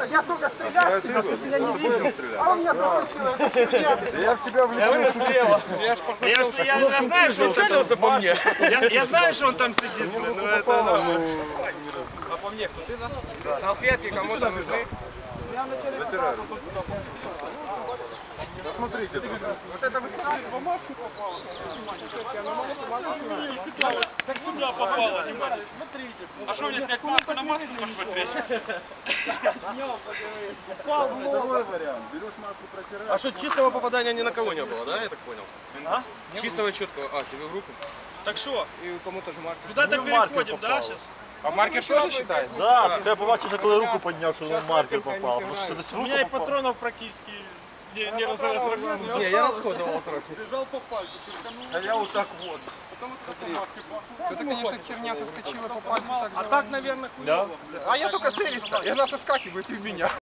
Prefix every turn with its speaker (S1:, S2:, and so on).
S1: я только стрелял в тебя, ты меня не видел. А он меня заскочил.
S2: Я в тебя влюбился слева.
S3: Я знаю, что он целился по мне. Я знаю, что он там сидит, блин. Ну это... А по мне кто? Ты, да?
S4: Салфетки кому-то нужны?
S2: Смотрите,
S3: Вот это вы по маске попало. Как сюда попало, внимание. Смотрите. А что, мне как маску на маску посмотреть?
S2: второй вариант. Берешь маску, протираешь.
S3: А что, чистого попадания ни на кого не было, да, я так понял? А? Чистого, четкого. А, тебе в руку? Так что? И кому-то же маркер. Куда-то переходим, да, сейчас?
S4: А маркер тоже считается?
S2: Да, я побачив, коли руку підняв, що на маркер попав. Може, десь
S3: У
S2: руку
S3: меня и
S2: попав?
S3: патронов практически не разрывал.
S4: Не, я расходовал трохи.
S3: Бежал по пальцу.
S2: А я вот так вот.
S4: Это, конечно, херня соскочила по пальцу.
S3: А так, наверное, хуёво.
S4: А я только целиться, и она соскакивает и в меня.